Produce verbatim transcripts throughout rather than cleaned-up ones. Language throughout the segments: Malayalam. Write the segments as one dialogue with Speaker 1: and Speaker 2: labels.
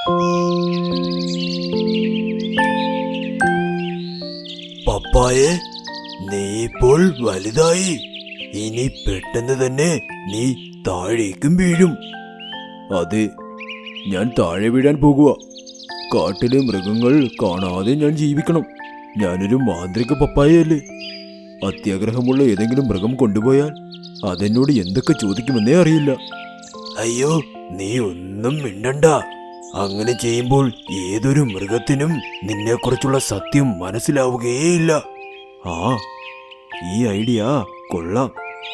Speaker 1: പപ്പായെ, നീ ഇപ്പോൾ വലുതായി. ഇനി പെട്ടെന്ന് തന്നെ നീ താഴേക്കും വീഴും. അതെ, ഞാൻ താഴെ വീഴാൻ പോകുക. കാട്ടിലെ മൃഗങ്ങൾ കാണാതെ ഞാൻ ജീവിക്കണം. ഞാനൊരു മാന്ത്രിക പപ്പായയല്ലേ. അത്യാഗ്രഹമുള്ള ഏതെങ്കിലും മൃഗം കൊണ്ടുപോയാൽ അതെന്നോട് എന്തൊക്കെ ചോദിക്കുമെന്നേ അറിയില്ല. അയ്യോ, നീ ഒന്നും മിണ്ടണ്ട. അങ്ങനെ ചെയ്യുമ്പോൾ ഏതൊരു മൃഗത്തിനും നിന്നെക്കുറിച്ചുള്ള സത്യം മനസ്സിലാവുകയേയില്ല. ആ, ഈ ഐഡിയ കൊള്ളാം.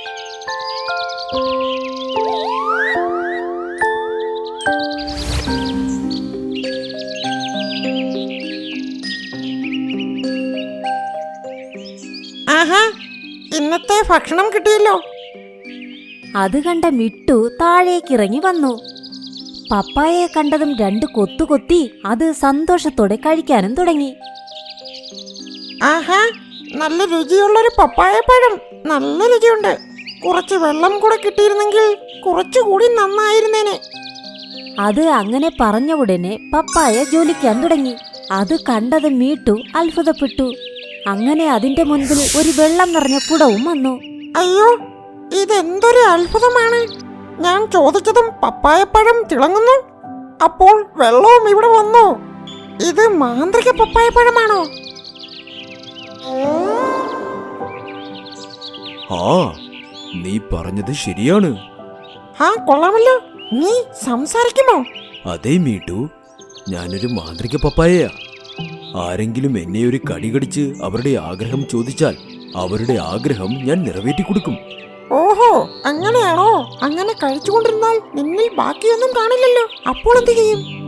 Speaker 2: ആഹാ, ഇന്നത്തെ ഭക്ഷണം കിട്ടിയല്ലോ.
Speaker 3: അത് കണ്ട മിട്ടു താഴേക്കിറങ്ങി വന്നു. പപ്പായയെ കണ്ടതും രണ്ട് കൊത്തുകൊത്തി അത് സന്തോഷത്തോടെ കഴിക്കാനും തുടങ്ങി.
Speaker 2: ആഹാ, നല്ല രുചിയുള്ളൊരു പപ്പായ പഴം. നല്ല രുചിയുണ്ട്. കുറച്ച് വെള്ളം കൂടെ കിട്ടിയിരുന്നെങ്കിൽ കുറച്ചുകൂടി നന്നായിരുന്നേനെ.
Speaker 3: അത് അങ്ങനെ പറഞ്ഞ ഉടനെ പപ്പായ ജ്വലിക്കാൻ തുടങ്ങി. അത് കണ്ടത് മീട്ടു അത്ഭുതപ്പെട്ടു. അങ്ങനെ അതിന്റെ മുൻപിൽ ഒരു വെള്ളം നിറഞ്ഞ കുടവും വന്നു.
Speaker 2: അയ്യോ, ഇതെന്തൊരു അത്ഭുതമാണ്. ഞാൻ ചോദിച്ചതും പപ്പായപ്പഴം തിളങ്ങുന്നു. അപ്പോൾ വെള്ളവും ഇവിടെ വന്നു. ഇത് മാന്ത്രിക പപ്പായപ്പഴമാണോ?
Speaker 1: ആ, നീ പറഞ്ഞത് ശരിയാണ്.
Speaker 2: ആ, കൊള്ളാമല്ലോ. നീ സംസാരിക്കുമോ?
Speaker 1: അതേ മീട്ടു, ഞാനൊരു മാന്ത്രിക പപ്പായയാ. ആരെങ്കിലും എന്നെ ഒരു കടി കടിച്ച് അവരുടെ ആഗ്രഹം ചോദിച്ചാൽ അവരുടെ ആഗ്രഹം ഞാൻ നിറവേറ്റി കൊടുക്കും.
Speaker 2: ഓഹോ, അങ്ങനെയാണോ? അങ്ങനെ കഴിച്ചുകൊണ്ടിരുന്നാൽ നിന്നിൽ ബാക്കിയൊന്നും കാണില്ലല്ലോ. അപ്പോൾ എന്ത് ചെയ്യും?